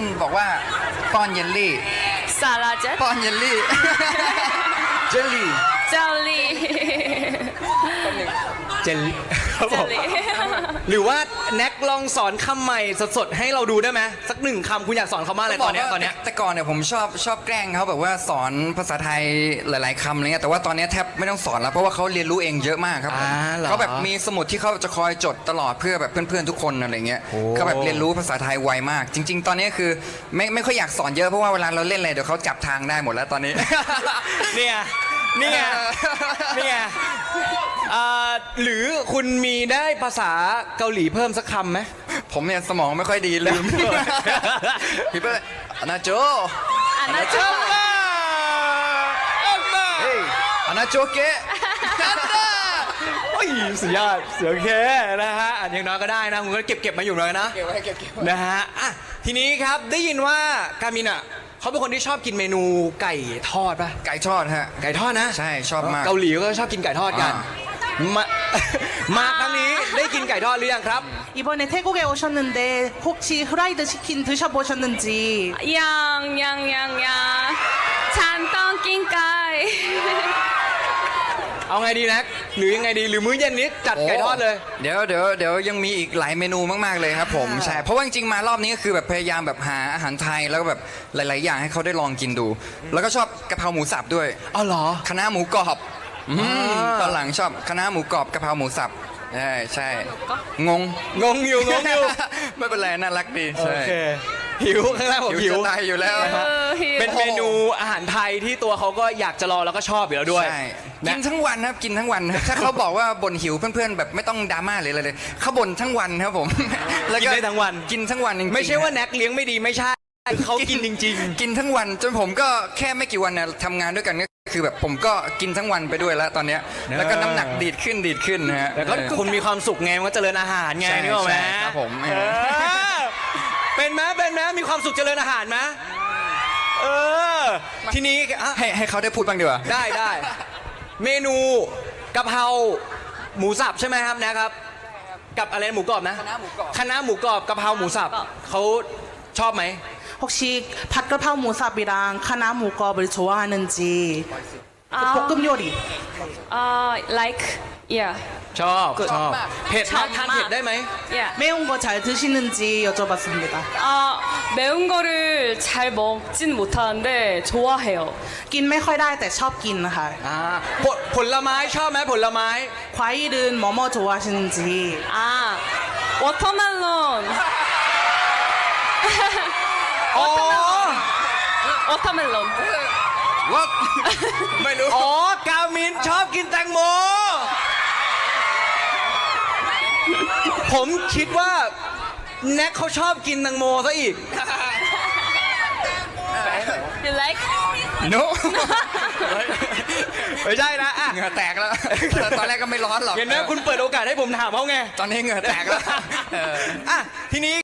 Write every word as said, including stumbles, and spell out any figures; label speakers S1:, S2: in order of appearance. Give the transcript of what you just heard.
S1: บอกว่าป้อนเยลลี่
S2: 사라젯
S1: ป้อนเยลลี่ เจลลี่
S2: 젤리
S3: เจลลี่ครับผม
S2: 젤리
S3: หรือว่าแน็กลองสอนคำใหม่สดๆให้เราดูได้ไหมสักหนึ่งคำคุณอยากสอนเขามากเลยตอนเนี้ยตอนเนี้ย
S1: แต่ก่อนเนี่ยผมชอบชอบแกล้งเขาแบบว่าสอนภาษาไทยหลาย ๆคำอะไรเงี้ยแต่ว่าตอนนี้แทบไม่ต้องสอนแล้วเพราะว่าเขาเรียนรู้เองเยอะมากครับผม
S3: อ่าเหรอ
S1: เขาแบบมีสมุดที่เขาจะคอยจดตลอดเพื่อแบบเพื่อนๆทุกคนอะไรเงี้ย
S3: โอ้
S1: เขาแบบเรียนรู้ภาษาไทยไวมาก จริง ๆ ตอนนี้คือไม่ไม่ค่อยอยากสอนเยอะเพราะว่าเวลาเราเล่นอะไรเดี๋ยวเขาจับทางได้หมดแล้วตอนนี้
S3: เนี่ยเนี่ยเนี่ยเอ่อหรือคุณมีได้ภาษาเกาหลีเพิ่มสักคำไหม
S1: ผมเนี่ยสมองไม่ค่อยดีลืม พี่เปิ้ลอนาโจ
S2: 안아줘
S1: เฮ้ยอนาโจเกะ
S3: โอ้ยสุดยอดเสือเคนะฮะอันอย่างน้อยก็ได้นะคุณก็เก็บเก็บมาอยู่เลยนะ
S1: เก็บไว้เก็บเก็บไว้
S3: นะฮะอ่ะทีนี้ครับได้ยินว่าการมินอ่ะเขาเป็นคนที่ชอบกินเมนูไก่ทอดป่ะ
S1: ไก่ทอดฮะ
S3: ไก่ทอดนะ
S1: ใช่ชอบมาก
S3: เกาหลีก็ชอบกินไก่ทอดกัน
S1: อ่
S3: มา มาครั้งนี้ได้กินไก่ทอดหรือยังครับ
S4: 이번에 태국에 오셨는데 혹시 프라이드 치킨 드셔보셨는지
S2: 양양양양 찬떡 낀까이
S3: เอาไงดีนะหรือยังไงดีหรือมื้อเย็นนี้จัดไก่ทอดเลย
S1: เดี๋ยวเดี๋ยวเดี๋ยวยังมีอีกหลายเมนูมากๆเลยครับผมใช่เพราะว่าจริงๆมารอบนี้ก็คือแบบพยายามแบบหาอาหารไทยแล้วก็แบบหลาย ๆ อย่างให้เขาได้ลองกินดู แล้วก็ชอบกะเพราหมูสับด้วย
S3: อ๋อเหรอ
S1: คณะหมูกรอบอืม
S3: อ่า
S1: ตอนหลังชอบคณะหมูกรอบกะเพราหมูสับใช่ใช่งง
S3: งงอยู่งงอยู่
S1: ไม่เป็นไรน่ารักดี
S3: โอ
S1: ใช่
S3: เคหิวข้างล่างผม
S1: หิ
S3: หิ
S1: ว
S3: ว
S1: จะตายอยู่แล้ว
S2: เออหิว
S3: เป็นเมนูอาหารไทยที่ตัวเขาก็อยากจะรอแล้วก็ชอบอยู่แล้วด้วย
S1: ใช่
S3: นะ
S1: กินทั้งวันครับกินทั้งวัน ถ้าเขาบอกว่าบ่นหิวเพื่อนๆแบบไม่ต้องดราม่าเลยเลยเขาบ่นทั้งวันครับผม แล้ว
S3: กินได้ทั้งวัน
S1: กินทั้งวันจริงๆ
S3: ไม่ใช่ว่าแน็กเลี้ยงไม่ดีไม่ใช่เขากินจริง
S1: กินทั้งวันจนผมก็แค่ไม่กี่วันนะทำงานด้วยกันก็คือแบบผมก็กินทั้งวันไปด้วยแล้วตอนเนี้ย
S3: เนอะ
S1: แล้วก็น้ำหนักดีดขึ้นดีดขึ้นนะฮะ
S3: ๆแต่ก็
S1: เออ
S3: คุณมีความสุขไงมันก็เจริญอาหารไง
S1: ใช่
S3: นึกออกไหม
S1: ใช่ครับผม
S3: เออเป็นไหมเป็นไหมมีความสุขเจริญอาหารไหมเออทีนี้อ่ะ
S1: ให้ให้เขาได้พูดบ้างดีกว่า
S3: ได้ได้เมนูกะเพราหมูสับใช่ไหมครับนะครับ กับอะไรหมูกรอบนะ
S1: คณะหมูกรอบ
S3: คณะหมูกรอบกะเพราหมูสับเขาชอบไหม
S4: 혹시 밭그라파 무삽이랑 카나 무겁을 좋아하는지 그
S2: 아.
S4: 볶음 요리
S2: 아 like yeah
S3: ชอบชอบเผ็ด
S2: ชอบ
S3: ทาน
S2: มาก
S3: เผ็ดได้ไหม
S2: yeah
S4: 매운 거 잘 드시는지 여쭤봤습니다.
S2: 아 매운 거를 잘 먹진 못하는데 좋아해요
S4: กินไม่ค่อยได้แต่ชอบกินค่ะ
S3: อ่าผลผลไม้ชอบไหมผลไม้
S4: 과일은 뭐뭐 좋아하시는지
S2: 아 워터멜론
S3: อ๋อ
S2: 워터멜론
S1: ว่า ไม่รู้
S3: อ๋อกามินชอบกินแตงโม ผมคิดว่าแน็กเขาชอบกินแตงโมซะอีก
S2: you like
S1: โน
S3: ไม่ใช่นะอ่ะ
S1: เหงื่อแตกแล้ว ตอนแรกก็ไม่ร้อนหรอก
S3: เห็นไหมคุณเปิดโอกาสให้ผมถามเขาไง
S1: ตอนนี้เหงื่อแตกแล้วเออ
S3: อ่ะทีนี้